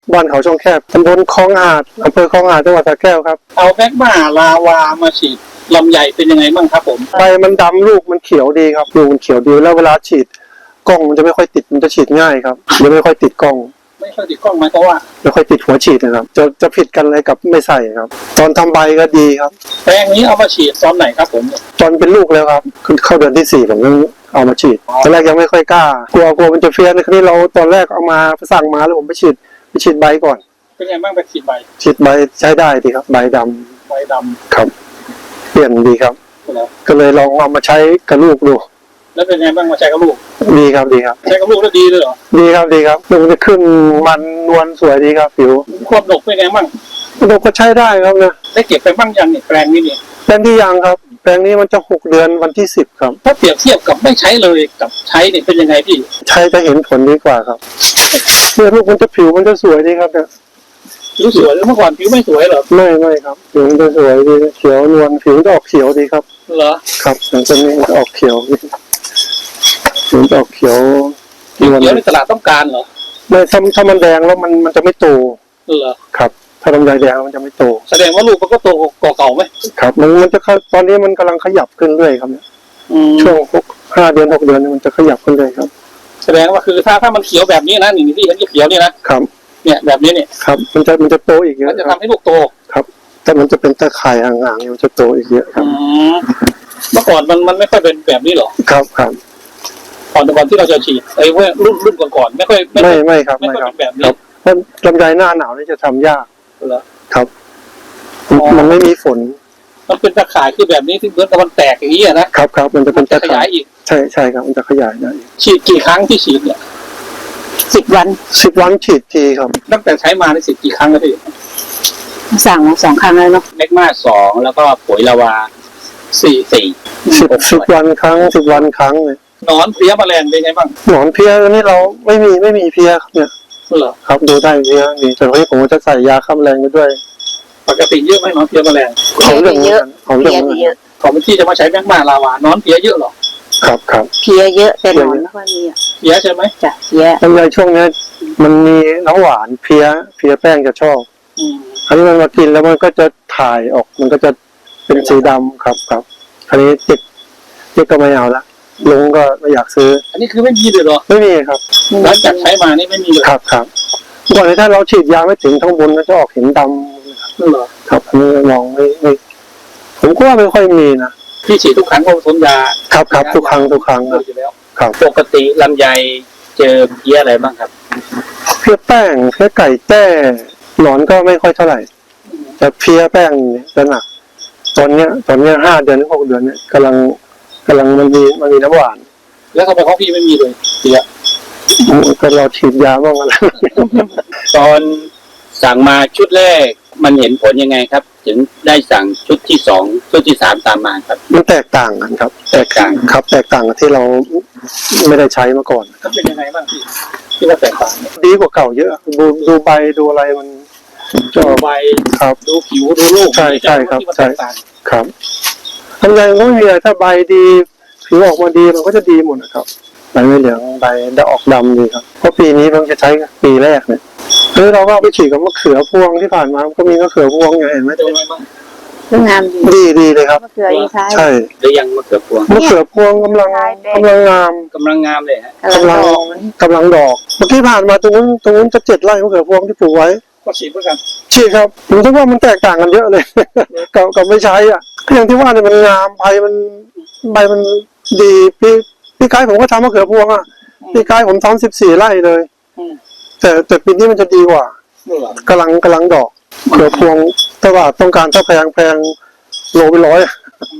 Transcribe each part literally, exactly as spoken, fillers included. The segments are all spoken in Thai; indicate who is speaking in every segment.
Speaker 1: บ้านเขาช่องแคบตำบลคลองหาดอำเภอคลองหาดจังหวัดสระแก้วครับ
Speaker 2: เอาแมกมาลาวามาฉีดลำไยเป็นยังไงบ้างครับผม
Speaker 1: ใบมันดำลูกมันเขียวดีครับลูกมันเขียวดีแล้วเวลาฉีดกล้องมันจะไม่ค่อยติดมันจะฉีดง่ายครับจะไม่ค่อยติดกล้อง
Speaker 2: ไม่ค่อยติดกล้องไหมเพราะว่า
Speaker 1: ไม่ค่อยติดหัวฉีดนะครับจะจะผิดกันเลยกับไม่ใส่ครับตอนทำใบก็ดีครับ
Speaker 2: แปลงนี้เอามาฉีดตอนไหนครับผม
Speaker 1: ตอนเป็นลูกแล้วครับคือเข้าเดือนที่สี่ผมเอามาฉีดตอนแรกยังไม่ค่อยกล้ากลัวกลัวมันจะเฟี้ยนในครั้นี้เราตอนแรกเอามาสั่งมาแล้วผมไปฉีดไปฉีดใบก่อน
Speaker 2: เป็นไงบ้างไปฉีดใบ
Speaker 1: ฉีดใบใช้ได้ดีครับใบดำ
Speaker 2: ใบดำ
Speaker 1: ครับเปลี่ยนดีครับก็เลยลองเอามาใช้กับลูกดู
Speaker 2: แล้วเป็นไงบ้างมาใช้กับลูก
Speaker 1: ดีครับดีครับ
Speaker 2: ใช้กับลูกแล้วดีเลยเหรอ
Speaker 1: ดีครับดีครับลูกจะขึ้นมันนวลสวยดีครับผิว
Speaker 2: ควบดกเป็นไงบ้าง
Speaker 1: ดกก็ใช้ได้ครับนะ
Speaker 2: ได้เก็บไปบ้างยังเนี่ยแปลงนี้เนี่ย
Speaker 1: แปลงที่ยังครับแปลงนี้มันจะหกเดือนวันที่สิบครับ
Speaker 2: ถ้าเปรียบเทียบกับไม่ใช้เลยกับใช้เนี่ยเป็นยังไงพี่
Speaker 1: ใช้จะเห็นผลดีกว่าครับเมื่อลูกมันจะผิวมันจะสวยดีครับเนี่ย
Speaker 2: ผิวสวยแล้วเมื่อก่อนผิวไม่สวยเหรอ
Speaker 1: ไม่ไม่ครับผิวมันจะสวยดีเขียวนวลผิวจะออกเขียวดีครับ
Speaker 2: เหรอ
Speaker 1: ครับอย่างตัวนี้จะออกเขียวผิวจะออกเขียว
Speaker 2: เขียวในตลาดต้องการเหรอ
Speaker 1: ไม่ถ้าถ้ามันแดงแล้วมันมันจะไม่โต
Speaker 2: เหรอ
Speaker 1: ครับถ้าลำไยแดงมันจะไม่โต
Speaker 2: แสดงว่าลูกมันก็โตกว่าเก่าไหม
Speaker 1: ครับมันมันจะตอนนี้มันกำลังขยับขึ้นเรื่อยครับเนี่ยช่วงห้าเดือนหกเดือนมันจะขยับขึ้นเลยครับ
Speaker 2: แสดงว่าคือถ้าถ้ามันเขียวแบบนี้นะนี่ที่เห็นเขียวนี่นะครับเนี่ยแบบนี้เนี่ย
Speaker 1: ครับมันจะมันจะโตอีกเยอะ
Speaker 2: จะทำให้ลูกโต
Speaker 1: ครับแต่มันจะเป็นตะข่ายห่างๆมันจะโตอีกเยอะครับ
Speaker 2: เมื่อก่อนมันมันไม่ค่อยเป็นแบบนี้หรอ
Speaker 1: ครับครับ
Speaker 2: ก่อนก่อนที่เราจะฉีดไอ้เว้ยรุ่นรุ่นก่อนๆไม่ค่อย
Speaker 1: ไม่ไม่ครับไม่ครับ
Speaker 2: แบบนี้
Speaker 1: เพราะลำไยหน้าหนาวนี่จะทำยาก
Speaker 2: เหรอ
Speaker 1: ครับมันไม่มีฝน
Speaker 2: มันเป็นตะข่ายคือแบบนี้ที่เหมือนกับมันแตกอย่างนี้นะครับ
Speaker 1: ครับมันจะเป็นตะ
Speaker 2: ขยายอีก
Speaker 1: ใช่ใช่ครับมันจะขยายได้
Speaker 2: ฉีดกี่ครั้งที่ฉีดเนี่ย
Speaker 3: สิบวัน
Speaker 1: สิบวันฉีดทีครับ
Speaker 2: ตั้งแต่ใช้มาในสิบกี่ครั้งแล้วพี่
Speaker 3: สั่งสองครั้งเลยเนาะ
Speaker 2: เมกมาสองแล้วก็ปุ๋ยลาวาสี่สี่
Speaker 1: สิบสิบวันครั้งสิบวันครั้งเลย
Speaker 2: หนอนเพลี้ยแมลงเป็นไงบ้าง
Speaker 1: หนอนเพลี้ยนี่เราไม่มีไม่มีเพลี้ยครับเนี่ย
Speaker 2: เหรอ
Speaker 1: ครับดูได้เพลี้ยนี่แต่วันนี้ผมจะใส่ยาฆ่าแมลงไปด้วย
Speaker 2: ปกติเยอะไหมหนอนเพลี้ยแมลง
Speaker 1: ของเรื่อง
Speaker 3: เยอะ
Speaker 1: ของเรื่อง
Speaker 3: เยอะ
Speaker 2: ของที่จะมาใช้แมกมาลาวานอนเพลี้ยเยอะหรอ
Speaker 1: ครับครับ
Speaker 3: เพลี้ยเยอะแต่หนอนไม่ค่อยมีอ่ะ
Speaker 2: เพลี้ยใช่ไหม
Speaker 3: จ้ะเพลี้ย
Speaker 1: ลำไยช่วงนี้มันมีน้ำหวานเพลี้ยเพลี้ยแป้งจะชอบอันนี้มันมากินแล้วมันก็จะถ่ายออกมันก็จะเป็นสีดำครับครับอันนี้เด็กเด็กก็ไม่เอาละลุงก็ไม่อยากซื้อ
Speaker 2: อันนี้คือไม่มีเลยหรอ
Speaker 1: ไม่มีครับ
Speaker 2: หลังจากใช้มานี่ไม่มีเลย
Speaker 1: ครับครับก่อนถ้าเราฉีดยาไม่ถึงข้างบนก็จะออกเห็นดำ
Speaker 2: เหรอ
Speaker 1: ครับอันนี้มองไม่ไม่ผมก็ว่าไม่ค่อยมีนะ
Speaker 2: พี่ฉีดทุกครั้งก็ผสมยา
Speaker 1: ครับครับทุกครั้งทุกครั้งครับ
Speaker 2: ปกติลำไยเจอเพี้ยอะไรบ้างครับ
Speaker 1: เพี้ยแป้งเพี้ยไก่แต้หนอนก็ไม่ค่อยเท่าไหร่แต่เพี้ยแป้งจะหนักตอนเนี้ยตอนเนี้ยห้าเดือนหรือหกเดือนเนี่ยกำลังกำลังมันมีมันมีน้ำหวาน
Speaker 2: แล้วทำไมของพี่ไม่มีเลยเพี้ย
Speaker 1: ก็เราฉีดยาบ้างอะไร
Speaker 2: ตอนสั่งมาชุดแรกมันเห็นผลยังไงครับถึงได้สั่งชุดที่สองชุดที่สามตามมาครับ
Speaker 1: มันแตกต่างกันครับแตกต่างครับแตกต่างกับที่เราไม่ได้ใช้มาก่อน
Speaker 2: ก็เป็นยังไงบ้างพี่ที่ว่าแตกต่าง
Speaker 1: ดีกว่าเก่าเยอะดูดูใบดูอะไรมัน
Speaker 2: จะใบ
Speaker 1: ครับ
Speaker 2: ดูผิวดูลูก
Speaker 1: ใช่ใช่ครับใช่ครับทำไงก็ไม่มีอะไรถ้าใบดีผิวออกมาดีมันก็จะดีหมดนะครับใบไม่เหลืองใบจะออกดำดีครับเพราะปีนี้เพิ่งจะใช้ปีแรกเนี่ยคือเราก็ไปฉีดกับมะเขือพวงที่ผ่านมาก็มีมะเขือพวงอย่างเห็นไหม
Speaker 2: เป็นไงบ้าง
Speaker 3: งาม
Speaker 1: ดีดีเลยครับ
Speaker 3: มะเขือใช่
Speaker 1: ใช่
Speaker 2: หรือยังมะเขือพวง
Speaker 1: มะเขือพวงกำลังกำลังงาม
Speaker 2: กำลังงามเลยฮะ
Speaker 1: กำลังกำลังดอกเมื่อกี้ผ่านมาตรงนู้นตรงนู้นจะเจ็ดไร่มะเขือพวงที่ปลูกไว้
Speaker 2: ก็ฉีดเหมือนกัน
Speaker 1: ฉีดครับผมคิดว่ามันแตกต่างกันเยอะเลยกับกับไม่ใช้อ่ะก็อย่างที่ว่าเนี่ยมันงามใบมันใบมันดีพี่พี่กายผมก็ทำมะเขือพวงอ่ะพี่กายผมทำสิบสี่ไร่เลยแต่แต่ปีนี้มันจะดีกว่ากำลังกำลังดอกเขือพวงแต่ว่าต้องการถ้าแพงแพงโลไปร้อย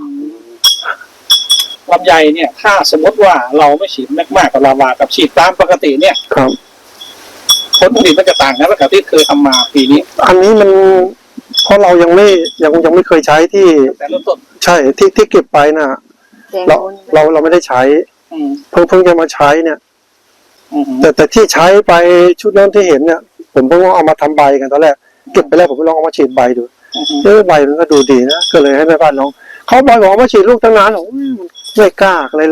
Speaker 2: ลำไยเนี่ยถ้าสมมติว่าเราไม่ฉีดแมกมากับลาวากับฉีดตามปกติเนี่ย
Speaker 1: ครับ
Speaker 2: ผลผลิตมันจะต่างกันกับที่เคยทำมาปีนี้
Speaker 1: อันนี้มันเพราะเรายังไม่ยังยังไม่เคยใช้ที่
Speaker 2: แต่เริ่มต้น
Speaker 1: ใช่ที่ที่เก็บไปน่ะเราเราเราไม่ได้ใช้เพิ่งเพิ่งจะมาใช้เนี่ยแต่แต่ที่ใช้ไปชุดนั้นที่เห็นเนี่ยผมเพิ่งเอามาทำใบกันตอนแรกเก็บไปแล้วผมไปลองเอามาฉีดใบดูเออใบมันก็ดูดีนะก็เลยให้แม่บ้านลองเขาบอกว่ามาฉีดลูกตั้งนานหรอไม่กล้าอะไรลอง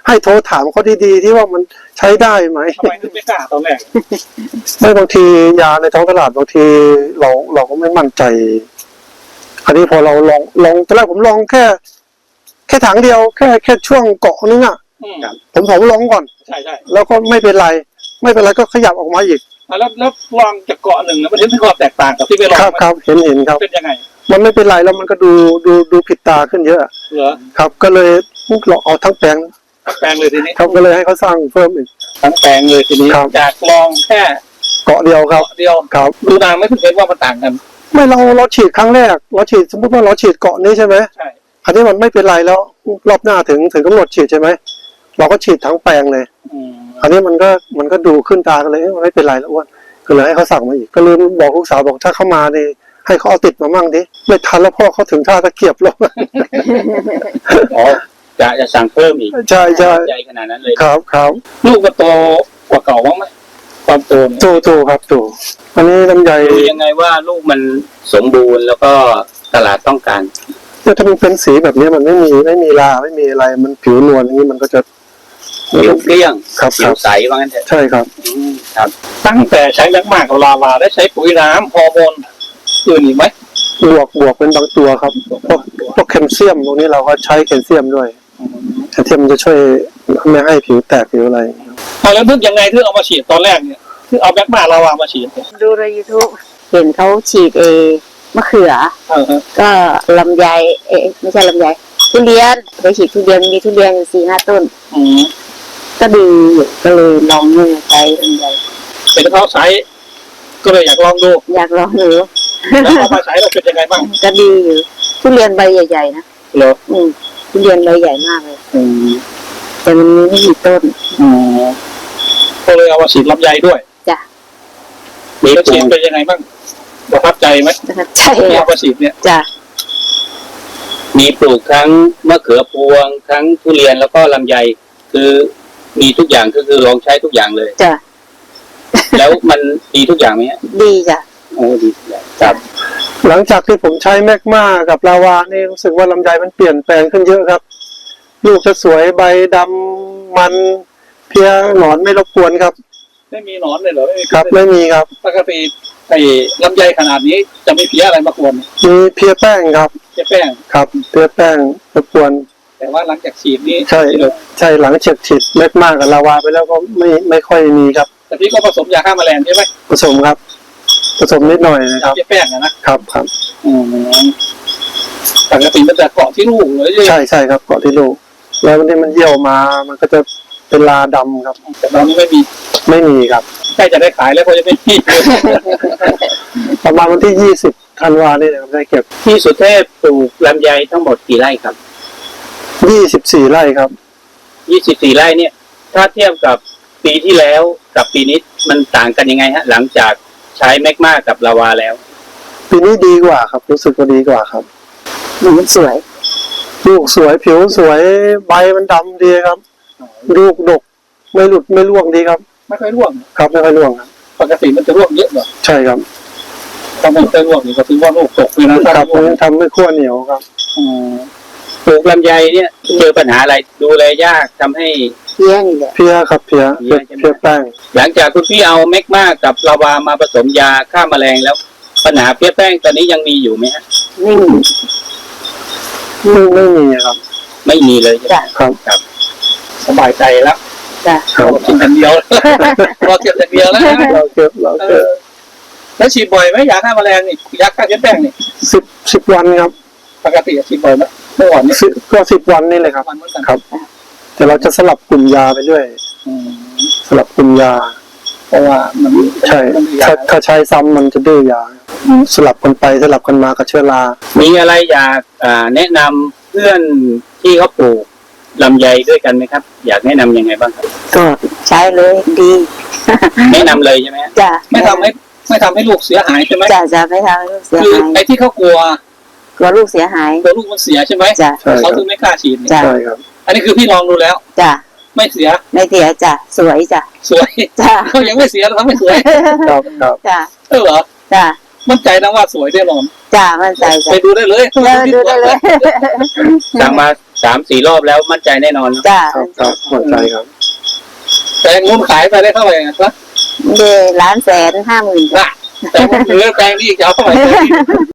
Speaker 1: ให้โทรถามเขาดีๆที่ว่ามันใช้ได้ไหม
Speaker 4: ทำไมถึงไม่กล้าตอนแรก
Speaker 1: ไม่บางทียาในท้องตลาดบางทีเราเราก็ไม่มั่นใจ อันนี้พอเราลองลองตอนแรกผมลองแค่ แค่ถังเดียวแค่แค่ช่วงเกาะนึงอ่ะ
Speaker 4: อืม
Speaker 1: ผมผมลองก่อน
Speaker 4: ใช่ใช่
Speaker 1: แล้วก็ไม่เป็นไร ไม่เป็นไรก็ขยับออกมาอีก
Speaker 4: อ่ะแล้วแล้วลองจากเกาะหนึ่งนะมันเห็นถึงความแตกต่างกับที่ไปลอง
Speaker 1: ครับ
Speaker 4: ไหม
Speaker 1: ครับเห็นเห็นครับ
Speaker 4: เป็นยังไง
Speaker 1: มันไม่เป็นไรแล้วมันก็ดูดูดูผิดตาขึ้นเยอะ
Speaker 4: เหรอ
Speaker 1: ครับ ก็เลยเราเอาทั้งแปลง
Speaker 4: ทั้งแปลงเลยทีนี้
Speaker 1: ครับก็เลยให้เขาสร้างเพิ่มอีก
Speaker 4: ทั้งแปลงเลยทีนี้
Speaker 1: ครับ
Speaker 4: จากลองแค่
Speaker 1: เกาะเดียวครับ
Speaker 4: เกาะเดียว
Speaker 1: ครับ
Speaker 4: ดูนานไม่ถึงเห็นว่ามันต่างกัน
Speaker 1: ไม่เราเราฉีดครั้งแรกเราฉีดสมมติว่าเราฉีดเกาะนี้ใช่ไหม
Speaker 4: ใช่
Speaker 1: อันนี้มันไม่เป็นไรแล้วรอบหน้าถึงถึงกำหนดฉีดใช่ไหมเราก็ฉีดทั้งแปลงเลย
Speaker 4: อืม
Speaker 1: อันนี้มันก็มันก็ดูขึ้นตากันเลยเอ้ยมันไม่เป็นไรแล้วอ้วนก็เลยให้เขาสั่งมาอีกก็เลยบอกลูกสาวบอกถ้าเขามาดิให้เขาเอาติดมามั่งดิไม่ทันแล้วพ่อเขาถึงท่าตะเกียบแล้ว
Speaker 2: อ๋อจะจะสั่งเพิ่มอีก
Speaker 1: ใช่ใช่
Speaker 2: ใจขนาดนั้นเลย
Speaker 1: ครับครับ
Speaker 4: ลูกก็โตกว่าเก่าบ้างไหมความโตเนี่ย
Speaker 1: ถูถูครับถูอันนี้ลำไย
Speaker 2: ดูยังไงว่าลูกมันสมบูรณ์แล้วก็ตลาดต้องการ
Speaker 1: เนี่ยถ้ามันเป็นสีแบบนี้มันไม่มีไม่มีลาไม่มีอะไรมันผิวนวลอย่างนี้มันก็จะ
Speaker 2: ผิวเกลี้ยง
Speaker 1: ครับ
Speaker 2: ผิ
Speaker 1: ครั
Speaker 2: ว
Speaker 1: บ
Speaker 2: ใสว่างั้นเถอะ
Speaker 1: ใช่ครับ
Speaker 2: อืมครับ
Speaker 4: ตั้งแต่ใช้แมกมากับลาวาได้ใช้ปุ๋ยน้ำฮอร์โมนอื่นอีกไหม
Speaker 1: บวกบวกเป็นบางตัวครับพวกพวกแคลเซียมตรงนี้เราก็ใช้แคลเซียมด้วยแคลเซียมมันจะช่วยไม่ให้ผิวแตกผิวอะไร
Speaker 4: เอาแล้วนึกยังไงที่เอามาฉีดตอนแรกเนี่ยที่เอาแมกมาลาวามาฉีดเนี่ย
Speaker 3: ดูใน YouTube เห็นเขาฉีดเอมะเขือ
Speaker 4: เออฮะ
Speaker 3: ก็ลำไยเอ๊ะไม่ใช่ลำไยทุเรียนไปฉีดทุเรียนมีทุเรียนอยู่สี่ห้าต้น
Speaker 4: อืม
Speaker 3: ก็ดีอยู่ก็เลยลองเนี่ยใช้ลำไย
Speaker 4: เป็นเขาใช้ก็เลยอยากลองดู
Speaker 3: อยากลองดู
Speaker 4: แล้วเอามาใช้เราเป็นยังไงบ้าง
Speaker 3: ก็ดีอยู่ทุเรียนใบใหญ่ๆนะ
Speaker 4: เหรอ
Speaker 3: อืมทุเรียนใบใหญ่มากเลย
Speaker 4: อืม
Speaker 3: แต่มันมีไม่กี่ต้น
Speaker 4: อืมก็เลยเอามาฉีดลำไยด้วย
Speaker 3: จ้ะ
Speaker 2: มี
Speaker 4: แล้ว
Speaker 2: ปลู
Speaker 4: ฉีด
Speaker 2: ก
Speaker 4: เป็นยังไงบ้างประทับใจไหม
Speaker 3: ประทับใจ
Speaker 4: ที่
Speaker 3: อ่ะ
Speaker 4: เอามาฉีดเนี่ย
Speaker 3: จ้ะ
Speaker 2: มีปลูกทั้งมะเขือพวงทั้งทุเรียนแล้วก็ลำไยคือมีทุกอย่างก็คือลองใช้ทุกอย่างเลย
Speaker 3: จ้ะ
Speaker 2: แล้วมันดีทุกอย่างไหมฮะ
Speaker 3: ดีจ้ะ
Speaker 2: โอ้ดีทุกอย่างครับ
Speaker 1: หลังจากที่ผมใช้แมกมากับลาวานี่รู้สึกว่าลำไยมันเปลี่ยนแปลงขึ้นเยอะครับ ลูกจะสวยใบดำมันเพี้ยหนอนไม่รบกวนครับ
Speaker 4: ไม่มีหนอนเลยเหรอไม่มี
Speaker 1: ครับไม่มีครับ
Speaker 4: ปกติไอ้ลำไยขนาดนี้จะไม่เพี้ยอะไรมากวน
Speaker 1: มีเพี้ยแป้งครับ
Speaker 4: เพี้ยแป้ง
Speaker 1: ครับเพี้ยแป้งรบกวน
Speaker 4: แต่ว่าหลังจากฉีดนี้
Speaker 1: ใช่
Speaker 4: เลย
Speaker 1: ใช่หลังจากฉีดแมกมากับลาวาไปแล้วก็ไม่ไม่ค่อยมีครับ
Speaker 4: แต่พี่ก็ผสมยาฆ่าแมลงใช่ไหม
Speaker 1: ผสมครับ ผสมนิดหน่อยนะครับ
Speaker 4: เพี้ยแป้งอะนะครับ
Speaker 1: ครับ
Speaker 4: อืมปกติมันจะเกาะที่ลูกเลย
Speaker 1: ใช่ใช่ครับเกาะที่ลูกแล้ววันนี้มันเยี่ยวมามันก็จะเป็นลาดำครับ
Speaker 4: แต่ตอนนี้ไม่มี
Speaker 1: ไม่มีครับ
Speaker 4: ใกล้จะได้ขายแล้วเพราะจะไม่มี
Speaker 1: ประมาณวันที่ยี่สิบธันวาเนี่ยนะครับได้เก็บ
Speaker 2: ที่สุเทพปลูกลำไยทั้งหมดกี่ไร่ครับ
Speaker 1: ยี่สิบสี่ไร่ครับ
Speaker 2: ยี่สิบสี่ไร่เนี่ย ถ้าเทียบกับปีที่แล้วกับปีนี้มันต่างกันยังไงฮะ หลังจากใช้แมกมากับลาวาแล้ว
Speaker 1: ปีนี้ดีกว่าครับ รู้สึกว่าดีกว่าครับ
Speaker 3: หนูมันสวย
Speaker 1: ลูกสวยผิวสวยใบมันดำดีครับ ลูกดกไม่หลุดไม่ร่วงดีครับ
Speaker 4: ไม่ค่อยร่วง
Speaker 1: ครับไม่ค่อยร่วงครับ
Speaker 4: ปกติมันจะร่วงเยอะเหรอ
Speaker 1: ใช่ครับ
Speaker 4: ถ้ามันจะร่วงนี่ก็ถือว่าลูกตกเลยนะถ้า
Speaker 1: ครับ
Speaker 4: ร่วง
Speaker 1: ทำให้ขั้วเหนียวครับ
Speaker 4: อืม
Speaker 2: ปลูกลำไยเนี่ยเจอปัญหาอะไรดูแลยากทำให้
Speaker 3: เพี้ยนี่แหละ
Speaker 1: เพี้ยครับเพี้ยเพี้ยเพี้ยแป้ง
Speaker 2: หลังจากคุณพี่เอาแมกมากับลาวามาผสมยาฆ่าแมลงแล้ว ปัญหาเพี้ยแป้งตอนนี้ยังมีอยู่ไหมฮะ
Speaker 3: ไม่มี
Speaker 1: ไม่ไม่มีครับ
Speaker 2: ไม่มีเลยใช่ไหม
Speaker 3: จ้ะ
Speaker 1: ครับ
Speaker 2: ครับ
Speaker 4: สบายใจแล้ว
Speaker 3: จ้ะ
Speaker 1: ครับ
Speaker 4: เรากินอย่างเดียว เราเก็บอย่างเดียวแล้วนะ
Speaker 1: เราเก็บเรา
Speaker 4: เอ
Speaker 1: เก็บ
Speaker 4: อแล้วฉีดบ่อยไหมยาฆ่าแมลงนี่ยาฆ่าเพี้ยแป้งนี่
Speaker 1: สิบสิบวันครับ
Speaker 4: ปกติฉีดบ่อยไหมเมื่อวานนี้
Speaker 1: สิบก็สิบวันนี่เลยครับ
Speaker 4: วันเหมือนกัน
Speaker 1: ครับ แต่เราจะสลับกลุ่มยาไปด้วย
Speaker 4: อืม
Speaker 1: สลับกลุ่มยา
Speaker 4: เพราะว่ามัน
Speaker 1: ใช่
Speaker 4: มันมียา
Speaker 1: ถ้าถ้าใช้ซ้ำมันจะดื้อยา สลับกันไปสลับกันมากับเชื้อรา
Speaker 2: มีอะไรอยากอ่าแนะนำเพื่อนที่เขาปลูกลำไยด้วยกันไหมครับ อยากแนะนำยังไงบ้างครับ
Speaker 3: ก็ใช้เลยดี
Speaker 2: แนะนำเลยใช่ไหมฮะ
Speaker 3: จ้ะ
Speaker 4: ไม่ทำให้ไม่ทำให้ลูกเสียหายใช่ไหม
Speaker 3: จ้ะจะไม่ทำให้ลูกเสีย
Speaker 4: คือ
Speaker 3: หาย
Speaker 4: ไอ้ที่เขากลัว
Speaker 3: กลัวลูกเสียหาย
Speaker 4: กลัวลูกมันเสียใช่ไหม
Speaker 3: จ้ะ
Speaker 1: ใช่ค
Speaker 4: เขา
Speaker 1: รับ
Speaker 4: ถึงไม่กล้าฉีดเนี่ย
Speaker 3: จ้ะ
Speaker 1: ใช่ครับ
Speaker 4: อันนี้คือพี่ลองดูแล้ว
Speaker 3: จ้ะ
Speaker 4: ไม่เสีย
Speaker 3: ไม่เสียจ้ะสวยจ้ะ
Speaker 4: สวย
Speaker 3: จ้ะ
Speaker 4: เขายังไม่เสียแล้วทำไม่สวย
Speaker 1: ครับครับ
Speaker 3: จ้ะ
Speaker 4: เออเหรอ
Speaker 3: จ้ะ
Speaker 4: มั่นใจนะว่าสวยแน่นอน
Speaker 3: จ้ะมั่นใจจ้ะ
Speaker 4: ไปดูได้เลย
Speaker 3: เดินดูได้เลย
Speaker 2: สั่งมาสามสี่รอบแล้วมั่นใจแน่นอน
Speaker 3: จ้า
Speaker 1: ครับครับหมดใจครับ
Speaker 4: แตงมุมขายไปได้เท่าไหร่นะครับ
Speaker 3: เดล้านแสนห้าหมื่น
Speaker 4: น่ะแตงมุมเหลือแตงนี่จะเอาเท่าไหร่